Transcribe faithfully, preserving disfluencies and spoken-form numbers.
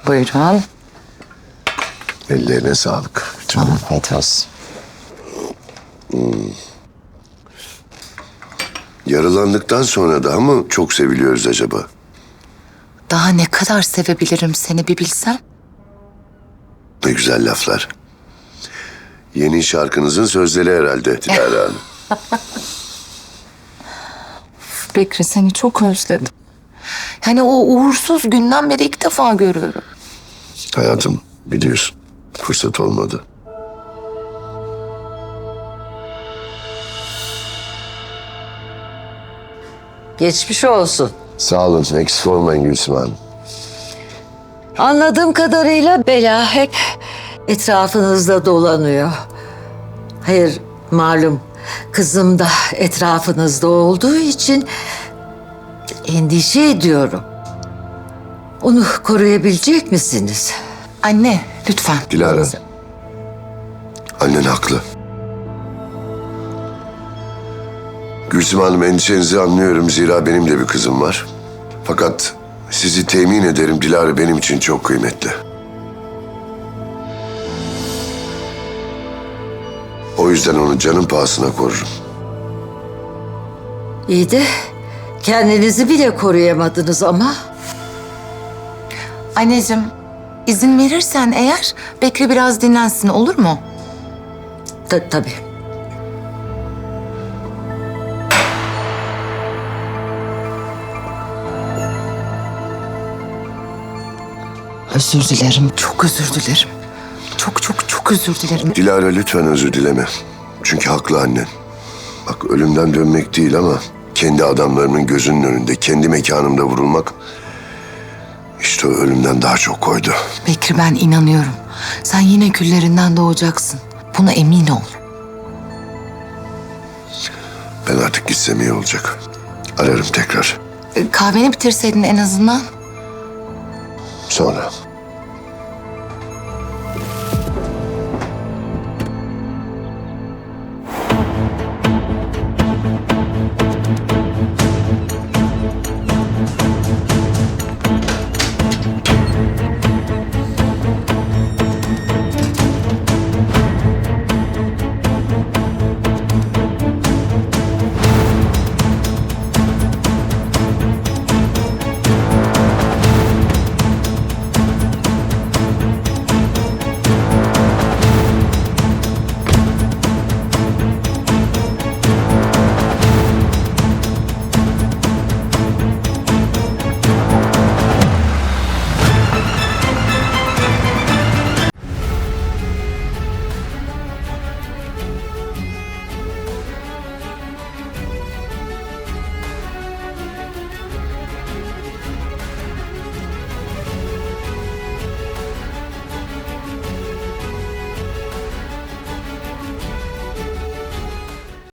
Buyurun. Ellerine sağlık. Afiyet olsun. Yaralandıktan sonra daha mı çok seviliyoruz acaba? Daha ne kadar sevebilirim seni bir bilsem. Ne güzel laflar. Yeni şarkınızın sözleri herhalde Dilara Hanım. Bekri, seni çok özledim. Yani o uğursuz günden beri ilk defa görüyorum. Hayatım biliyorsun fırsat olmadı. Geçmiş olsun. Sağ olun eksik olmayın Gülsüm Hanım. Anladığım kadarıyla bela hep etrafınızda dolanıyor. Hayır, malum kızım da etrafınızda olduğu için endişe ediyorum. Onu koruyabilecek misiniz? Anne, lütfen. Dilara. Annen haklı. Gülsüm Hanım endişenizi anlıyorum zira benim de bir kızım var. Fakat sizi temin ederim Dilara benim için çok kıymetli. O yüzden onu canım pahasına korurum. İyi de kendinizi bile koruyamadınız ama. Anneciğim, izin verirsen eğer Bekri biraz dinlensin, olur mu? Ta- tabii. Özür dilerim, çok özür dilerim. Çok çok çok özür dilerim. Dilara lütfen özür dileme. Çünkü haklı annen. Bak ölümden dönmek değil ama kendi adamlarımın gözünün önünde, kendi mekanımda vurulmak işte o ölümden daha çok koydu. Bekri, ben inanıyorum. Sen yine küllerinden doğacaksın. Buna emin ol. Ben artık gitsem iyi olacak. Ararım tekrar. Kahveni bitirseydin en azından. Sonra.